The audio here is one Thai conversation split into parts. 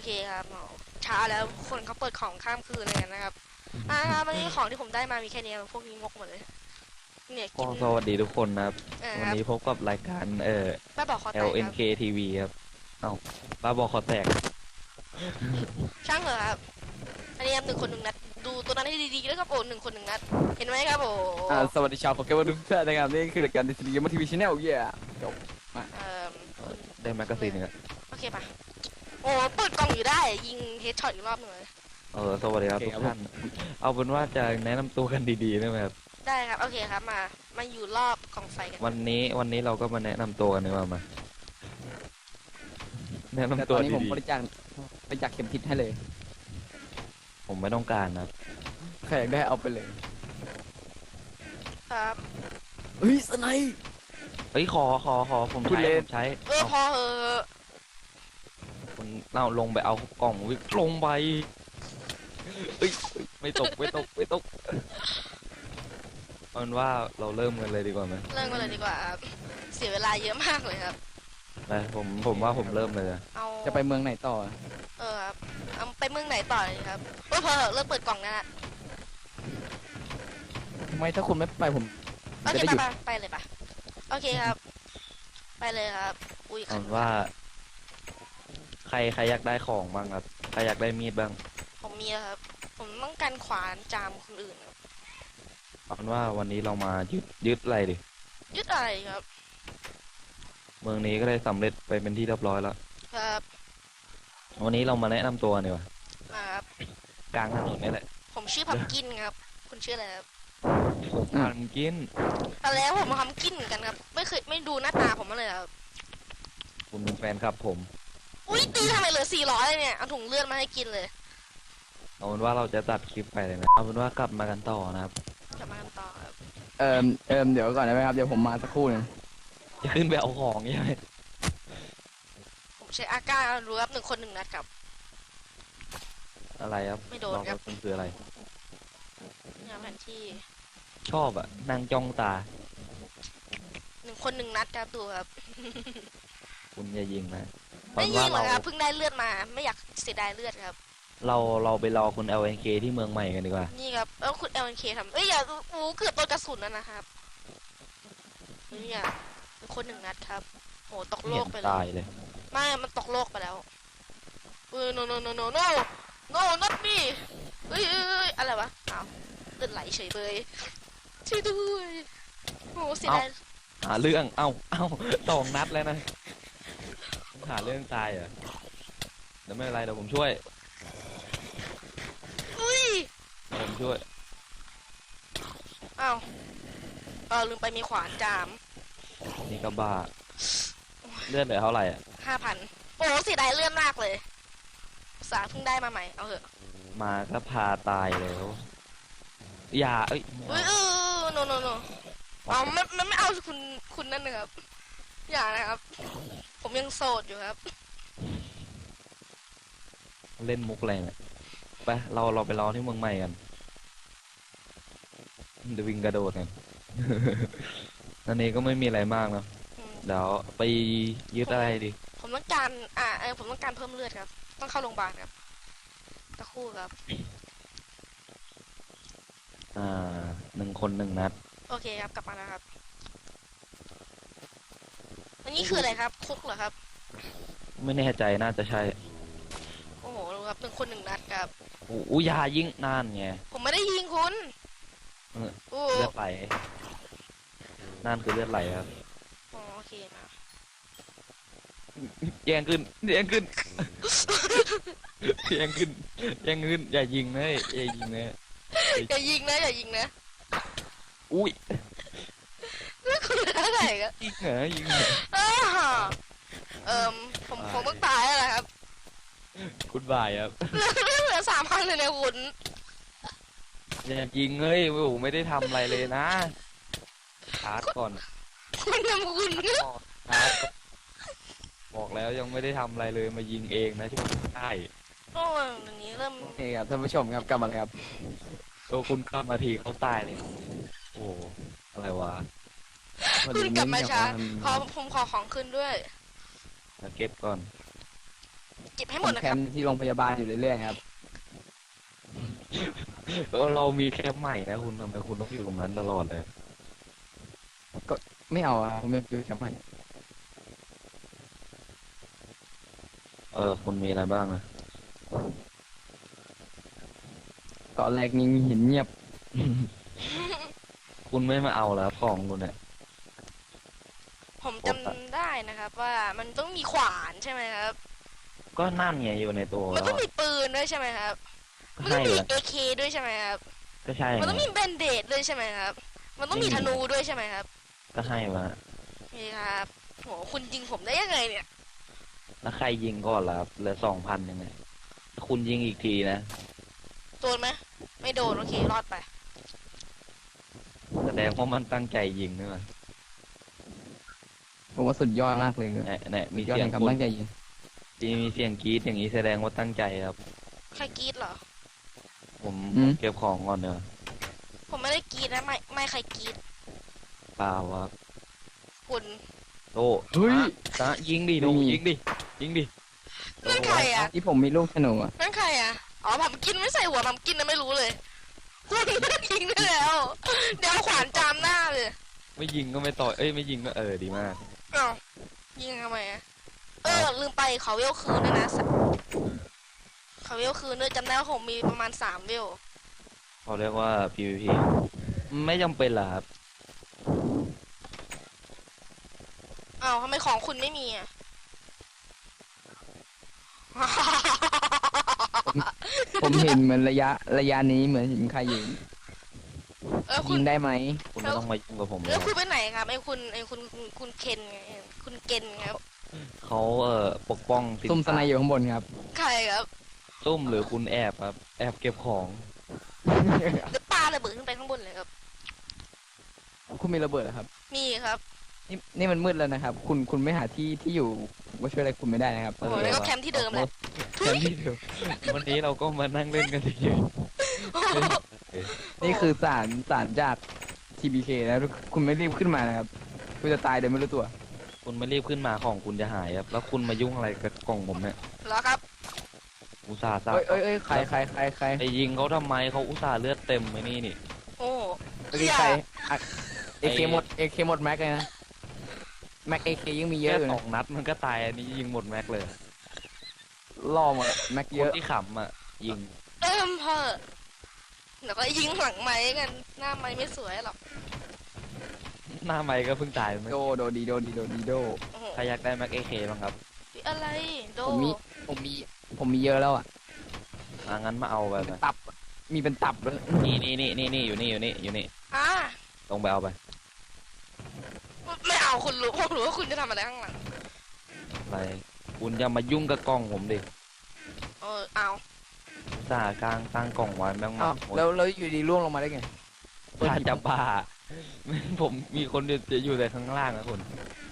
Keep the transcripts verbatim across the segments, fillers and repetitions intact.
เคครับอ๋อช้าแล้วคนเขาเปิดของข้ามคืนเลยกันนะครับอ่าวันนี้ของที่ผมได้มามีแค่นี้พวกนี้งกหมดเลยเนี่ยก็กินสวัสดีทุกคนนะครับเออครับวันนี้พบกับรายการเอ่อป้าบอกคอแตกครับแอล เอ็น เค ที วี ครับเอ้าบ้าบอคอแตกช่างเหรอครับอันนี้ครับหนึ่งคนหนึ่งนัดดูตัวนั้นให้ดีๆแล้วครับโอ้หนึ่งคนหนึ่งนัดเห็นไหมครับโอ้อ่าสวัสดีชาวโปเกมอนทุกท่านนะครับนี่คือรายการดิสนีย์มาทีวีชแนลเย่จบมาเอ่อคุณได้แมกกาซีนหนึ่งอะโอเคปะโอ้เปิดกล่องอยู่ได้ยิงเฮดช็อตอีกรอบหนึ่งเลยเออสวัสดีครับทุกท่านเอาเป็นว่าจะแนะนำตัวกันดีๆได้ไหมครับได้ครับโอเคครับมามาอยู่รอบกองไฟกันวันนี้วันนี้เราก็มาแนะนำตัวกันดีกว่ามาแนะแต่นำตตัอวนนี้ผมดีบริจาคบริจาคเข็มทิศให้เลยๆผมไม่ต้องการนะครับใครอยากได้เอาไปเลยครับเฮ้ยสไนป์เฮ้ยขอขอขอผมพูดใช้เล่ผนมใช้เออเอาพอเหอะคุณเราลงไปเอากล่องวิลงไปเอ้ยเอ้ยไม่ตกไม่ตกไม่ตกเอาเป็นว่าเราเริ่มกันเลยดีกว่าไหมเริ่มกันเลยดีกว่าครับเสียเวลาเยอะมากเลยครับไปผมผมว่าผมเริ่มเลยอะเอาจะไปเมืองไหนต่อเออครับเอาไปเมืองไหนต่อเลยครับเออพอเหอะเลิกเปิดกล่องนะฮะทำไมถ้าคุณไม่ไปผมโอจะเคได้หไปยุดไปไปเลยปะโอเคครับ ไปเลยครับอุ้ยเอาเป็นว่า ใครใครอยากได้ของบ้างครับใครอยากได้มีดบ้างผมมีแล้วครับ ผมต้องการขวานจามคนอื่นครับเอาเป็นว่าวันนี้เรามายึดยึดอะไรดิยึดอะไรครับเมืองนี้ก็ได้สำเร็จไปเป็นที่เรียบร้อยแล้วครับวันนี้เรามาแนะนำตัวดีกว่าอ่าครับกลางถนนนี่แหละผมชื่อพัมกินครับ คุณชื่ออะไรครับผมอ่านกินตอนแล้วผมมาพัมกินเหมือนกันครับ ไม่เคยไม่ดูหน้าตาผมมาเลยครับคุณเป็นแฟนครับผมอุ้ยตีทำไมเหลือสี่ร้อยเลยเนี่ยเอาถุงเลือดมาให้กินเลยเอาเป็นว่าเราจะตัดคลิปไปเลยนะเอาเป็นว่ากลับมากันต่อนะครับกลับมากันต่อครับเอิมเอิมเดี๋ยวก่อนได้ไหมครับเดี๋ยวผมมาสักครู่หนึงจะขึ้นไปเอาของใช่ไหมผมใช้อาก้ารู้ครับหนึ่งคนหนึ่งนัดครับอะไรครับไม่โดนลองครับมันคืออะไรเนี่ยแผนที่ชอบอะนั่งจ้องตาหนึ่งคนหนึ่งนัดครับดูครับคุณอย่ายิงนะเพไม่ราะยิว่างหรเราอกครับเพิ่งได้เลือดมา ไม่อยากเสียดายเลือดครับเราเราไปรอคุณ แอล เอ็น เค ที่เมืองใหม่กันดีกว่านี่ครับแล้วคุณเอลเอ็นเคทำเอ้ยอย่าโอ้เกือบโดนกระสุนแล้วนะครับนี่อ่ะหนึ่งคนหนึ่งนัดครับโอ้ตกโลเห็กนไปเลตายยเลยไม่มันตกโลกไปแล้วเออ no no no no no no not me เอ้ยเอ้ยเอ้ยอะไรวะอ้าวเลือดไหลเฉยเลยช่วยด้วยโอ้เสียดายหาเรื่อง เอ้าเอ้าสองนัดแล้วนะหาเรื่องตายเหรอเดี๋ยวไม่เป็นไรเดี๋ยวผมช่วยอุ้ยเดี๋ยวผมช่วยอ้าวเออลืมไปมีขวานจามนี่ก็บ้า เลือดเหลือเท่าไหร่อ่ะห้าพันโอ้เสียดายเลือดมากเลยอุตสาห์เพิ่งได้มาใหม่เอาเถอะมาก็พาตายแล้ว อย่า เอ้ยเอ้ยเออ no no no เอามันมันไม่เอาคุณคุณนั่นนะครับ อย่านะครับ ผมยังโสดอยู่ครับเล่นมุกอะไรเนี่ยไปเราเราไปรอที่เมืองใหม่กันเดี๋ยววิ่งกระโดดกัน อันนี้ก็ไม่มีอะไรมากเนอะอืมเดี๋ยวไปยึดอะไรดีผมต้องการ อ่าเออผมต้องการเพิ่มเลือดครับ ต้องเข้าโรงพยาบาลครับตะครู่ครับอ่าหนึ่งคนหนึ่งนัดโอเคครับ กลับมาแล้วครับ อันนี้คืออะไรครับ คุกเหรอครับไม่แน่ใจน่าจะใช่โอ้โหดูครับหนึ่งคนหนึ่งนัดครับอู้อู้ยายิงนานไงผมไม่ได้ยิงคุณเออโอ้เลือดไหลนั่นคือเลือดไหลครับอ๋อโอเคมาแย่งขึ้นแย่งขึ้น แย่งขึ้นแย่งขึ้นอย่ายิงนะอย่ายิงนะอย่ายิงนะอย่ายิงนะอุ้ยแล้วคุณเหลือเท่าไหร่ครับยิงเหรอยิงเหรออ้าวเอิมผมผมต้องตายแล้วล่ะครับคุณบายครับเหลือสามพันเลยเนี่ยคุณอย่ายิงเฮ้ยโอ้โหไม่ได้ทำอะไรเลยนะชาร์จก่อนคุณทำคุณชาร์จก่อนชาร์จก่อนบอกแล้วยังไม่ได้ทำอะไรเลยมายิงเองนะที่ผมได้โอ้ยอย่างนี้เริ่มโอเคครับท่านผู้ชมครับกลับมาเลยครับตัวคุณเข้ามาทีเขาตายเลยโอ้อะไรวะวันคุณนี้กลับมาช้าเนี่ยขอผมขอของขึ้นด้วยสเก็ตก่อนเก็บให้หผมมดนะแคครับมป์ที่โรงพยาบาลอยู่เรื่อยๆครับแล้วเรามีแคมป์ใหม่นะคุณทำไมคุณต้องอยู่ตรงนั้นตลอดเลยไม่เอาอะผมไม่อยู่แคมป์ใหม่เออคุณมีอะไรบ้างนะตอนแรกนี่เห็นเงียบคุณไม่มาเอาแล้วของคุณเนี่ยผมจำได้นะครับ ว่ามันต้องมีขวานใช่ไหมครับก็นั่นไงอยู่ในตัวมันแล้วต้องอะมีปืนด้วยใช่ไหมครับก็มันต้อใช่งมีแหละเอเคด้วยใช่ไหมครับก็ใช่มันต้องไงมีแบนเดดด้วยใช่ไหมครับ มันต้องมีไม่มีธนูด้วยใช่ไหมครับก็ให้มานี่ครับโหคุณยิงผมได้ยังไงเนี่ยแล้วใครยิงก่อนล่ะครับเหลือสองพันยังไงคุณยิงอีกทีนะโดนไหมไม่โดนโอเครอดไปแสดงว่ามันตั้งใจยิงนี่มันผมว่าสุดยอดมากเลยเนี่ยเนี่ยมียอดเสียแห่งงความคุณตั้งใจยิงมีเสียงกรี๊ดอย่างนี้แสดงว่าตั้งใจครับใครกรีดเหรอผมผมเก็บของก่อนเนอะผมไม่ได้กรีดนะไม่ไม่ใครกรีดเปล่าครับคุณโอ้ตะยิงดิโดยิงดิยิงดินั่นใครอ่ะที่ผมมีลูกธนูอะนั่นใครอ่ะอ๋อผมกินไม่ใส่หัวผมกินนะไม่รู้เลยคุณยิงได้แล้ว เดี๋ยวเอาขวานจามหน้าเลยไม่ยิงก็ไม่ต่อยเอ้ยไม่ยิงก็เออดีมากอ้าวยิงทำไมอ่ะเออลืมไปเขาเวลคืนด้วยนะเขาเวลคืนด้วยจำได้ว่าผมมีประมาณสามเวลเขาเรียกว่า พี วี พี ไม่จำเป็นล่ะครับอ้าวทำไมของคุณไม่มีอ่ะผมเห็นเหมือนระยะระยะนี้เหมือนเห็นใครอยู่เออคุยิณงได้ไหมคุณไม่ต้องมายุ่งกับผมเลแล้วยคุณไปไหนครับไอ้คุณไอ้คุณคุณคุณเคนไงคุณเกนครับเขาเอ่อปกป้องสินซุ่มสไนอยู่ข้างบนครับใครครับซุ่มหรือคุณแอบครับ แอบเก็บของหรือปาระเบิดขึ้นไปข้างบนเลยครับคุณมีระเบิดเหรอครับมีครับนี่นี่มันมืดแล้วนะครับ คุณคุณไม่หาที่ที่อยู่ผมก็ช่วยอะไรคุณไม่ได้นะครับโอ้โหแล้วก็แคมป์ที่เดิมแหละแคมป์ที่เดิมวันนี้เราก็มานั่งเล่นกันเฉยนี่คือสารสารจาก ที บี เค นะคุณไม่รีบขึ้นมานะครับคุณจะตายโดยไม่รู้ตัวๆคุณไม่รีบขึ้นมาของคุณจะหายครับ แล้วคุณมายุ่งอะไรกับกล่องผมเนี่ยเหรอครับอุตส่าห์สร้างเอ้ยเอ้ยเอ้ยใครใครใครใครไปยิงเขาทำไมเขาอุตส่าห์เลือดเต็มไว้นี่นี่โอ้เมื่อกี้ใครเอเคหมดเอเคหมดแม็กเลยนะแม็กเอเคยังมีเยแค่อะอยู่สนะองนัดมันก็ตายอันนี้ยิงหมดแม็กเลยล่อหมดอะแม็กคเยนอะที่ขำอ่ะ ยิงเติมเพอเดี๋ยวก็ยิงหลังไม้กัน หน้าไม้ไม่สวยหรอกหน้าไมค์ก็เพิ่งตายไปโดโดดีโดดีโดดีโดโอ้โหใครอยากได้แม็กเอเคบ้างครับอะไรโดผมมีผมมีผมมีเยอะแล้วอ่ะอ่ะงั้นมาเอาไปไปตับมีเป็นตับเลยนี่นี่นี่นี่นี่อยู่นี่อยู่นี่อยู่นี่อ่าลงไปเอาไปไม่เอาคุณรู้ผมรู้ว่าคุณจะทำอะไรข้างหลังอะไร คุณอย่ามายุ่งกับกล่องผมดิเออเอาอุตส่าห์กลางตั้งกล่องไว้แม่งมาอ้าวแล้วแล้วอยู่ดีล่วงลงมาได้ไงถ้าจะบ้า ผมมีคนเดียวจะอยู่แต่ข้างล่างนะคุณ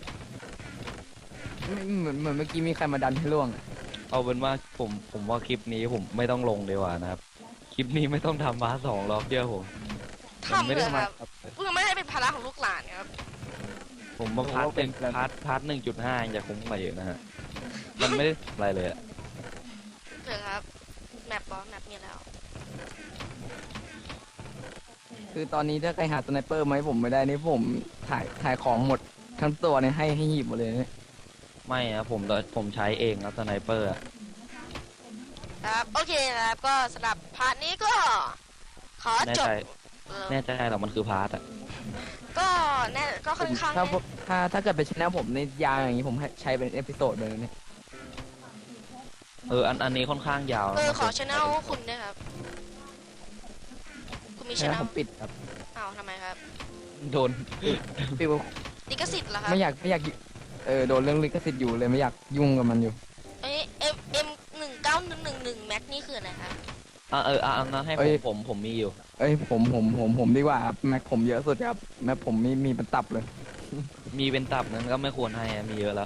ไม่เหมือนเหมือนเมื่อกี้มีใครมาดันให้ล่วงอะเอาเป็นว่าผมผมว่าคลิปนี้ผมไม่ต้องลงดีกว่านะครับ คลิปนี้ไม่ต้องทำมาสองรอบเดียวผมผมทำไม่เลได้ยคมารับเพื่อไม่ให้เป็นภาระของลูกหลานครับผมมาพาร์ทเป็นพาร์ทพาร์ทหนึ่งจุดห้าอย่าคุ้มไปเยอะนะฮะ มันไม่ได้อะไรเลยอะเถอะครับ แมปบอสแมปมีแล้วคือตอนนี้ถ้าใครหาสไนเปอร์มาให้ผมไม่ได้นี่ผมถ่ายถ่ายของหมดทั้งตัวเนี่ยให้ให้หีบหมดเลยเนี่ยไม่นะผมผมใช้เองครับสไนเปอร์อะครับโอเคครับก็สำหรับพาร์ทนี้ก็ ขอแน่จบใจเออแน่ใจหรอมันคือพาร์ทอะก็แน่ก็ค่อนข้างถ้าผมถ้าถ้าเกิดเป็นชแนลผมในยาวอย่างนี้ผมให้ใช้เป็นเอพิโซดเลยนะเนี่ยเอออันอันนี้ค่อนข้างยาวเออนะขอชแนลคุณด้วยครับ คุณมีชชแนแนลลผมปิดครับอ้าวทำไมครับโดนปิดลิขสิทธิ์เหรอครับไม่อยากไม่อยากเออโดนเรื่องลิขสิทธิ์อยู่เลยไม่อยากยุ่งกับมันอยู่เอ้เอ็มเอ็มหนึ่งเก้าหนึ่งหนึ่งหนึ่งแม็กนี่คืออะไรครับอ่ะเอออ่ะอันนั้นให้ผมผมผมมีอยู่เอ้ยผมผมผมผมดีกว่าครับแม็กผมเยอะสุดครับแม็กผมมีมีเป็นตับเลยมีเป็นตับนั้นก็ไม่ควรให้อะมีเยอะแล้ว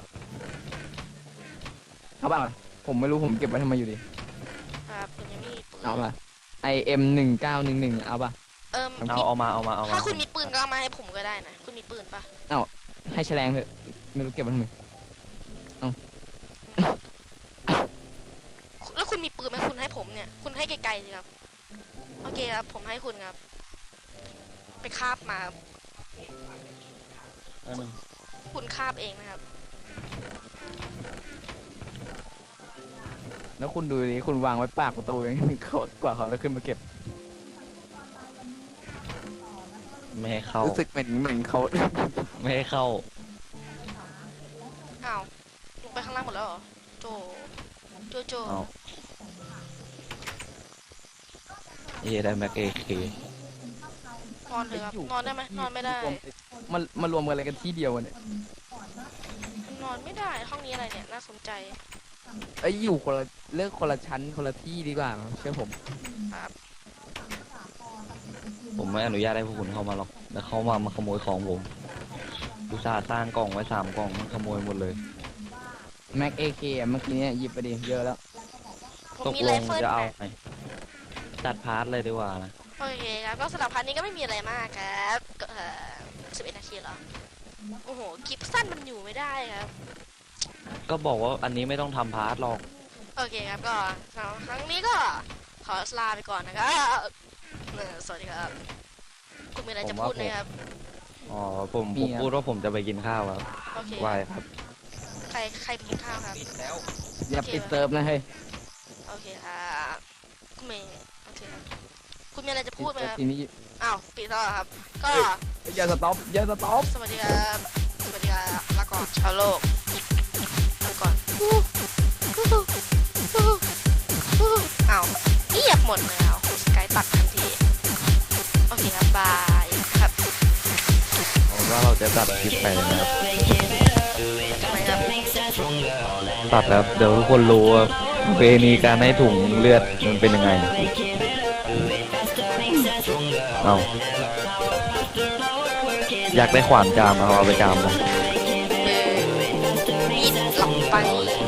เอาป่ะผมไม่รู้ผมเก็บไว้ทำไมอยู่ดีครับคุณยังไม่มีปืนเอาป่ะไอเอ็มหนึ่งเก้าหนึ่งหนึ่งเอาป่ะเอิมเอาเอามาเอามาเอามาถ้าคุณมีปืนก็เอามาให้ผมก็ได้นะ คุณมีปืนปะให้แฉลงเถอะไม่รู้เก็บไว้ทำไมเอาคุณมีปืนไหมคุณให้ผมเนี่ย คุณให้ไกลๆสิครับ โอเคครับ ผมให้คุณครับ ไปคาบมาครับอันหนึ่งคุณคาบเองนะครับแล้วคุณดูดิคุณวางไว้ปากประตูยังเขากว่าเขาจะขึ้นมาเก็บไม่ให้เข้ารู้สึกเหมือนเหมือนเขาไม่ให้เข้าอ้าว ลงไปข้างล่างหมดแล้วเหรอ โจ โจโจเอาเย่ได้แม็กเอเคนอนเถอะครับ นอนได้ไหมนอนไม่ได้มันมารวมกันอะไรกันที่เดียวเนี่ยนอนไม่ได้ ห้องนี้อะไรเนี่ย น่าสนใจไอ้ยอยู่คนละเลือกคนละชั้นคนละที่ดีกว่าเชื่อผมครับผมไม่อนุญาตให้พวกคุณเข้ามาหรอก แล้วเขามามาขโมยของผมอุตส่าห์สร้างกล่องไว้สามกล่องมันขโมยหมดเลยแม็กเอเคเมื่อกี้เนี่ยหยิบไปดิเยอะแล้วผมตกมีลไรง เฟิลจะเอานะไงจัดพาร์ทเลยดีกว่านะโอเคครับ ก็สำหรับพาร์ทนี้ก็ไม่มีอะไรมากครับก็เอ่อสิบเอ็ดนาทีเหรอ โอ้โห คลิปสั้นมันอยู่ไม่ได้ครับก็บอกว่าอันนี้ไม่ต้องทำพาร์ทหรอกโอเคครับ ก็สำหรับครั้งนี้ก็ขอลาไปก่อนนะครับเออสวัสดีครับ คุณมีอะไรจะพูดไหมครับอ๋อผมผมพูดว่าผมจะไปกินข้าวครับโอเคไหวครับใครใครไปกินข้าวครับอย่าปิดเซิร์ฟนะเฮ้ยโอเคครับคุณเมย์โอเคครับ คุณมีอะไรจะพูดไหมครับทีนี้อ้าวปิดแล้วเหรอครับ ก็อย่าสต็อปอย่าสต็อปสวัสดีครับ สวัสดีครับลาก่อนชาวโลกลาก่อนอ้าวเงียบหมดเลยอ่ะสกายตัดทันที โอเคครับ บายครับผมว่าเราจะตัดคลิปไปนะครับทำไมครับตัดแล้วเดี๋ยวทุกคนรู้ว่าประเพณีการให้ถุงเลือดมันเป็นยังไง เอาอยากได้ขวานจามเอาเอาไปจามเลยเออมีดหลับไป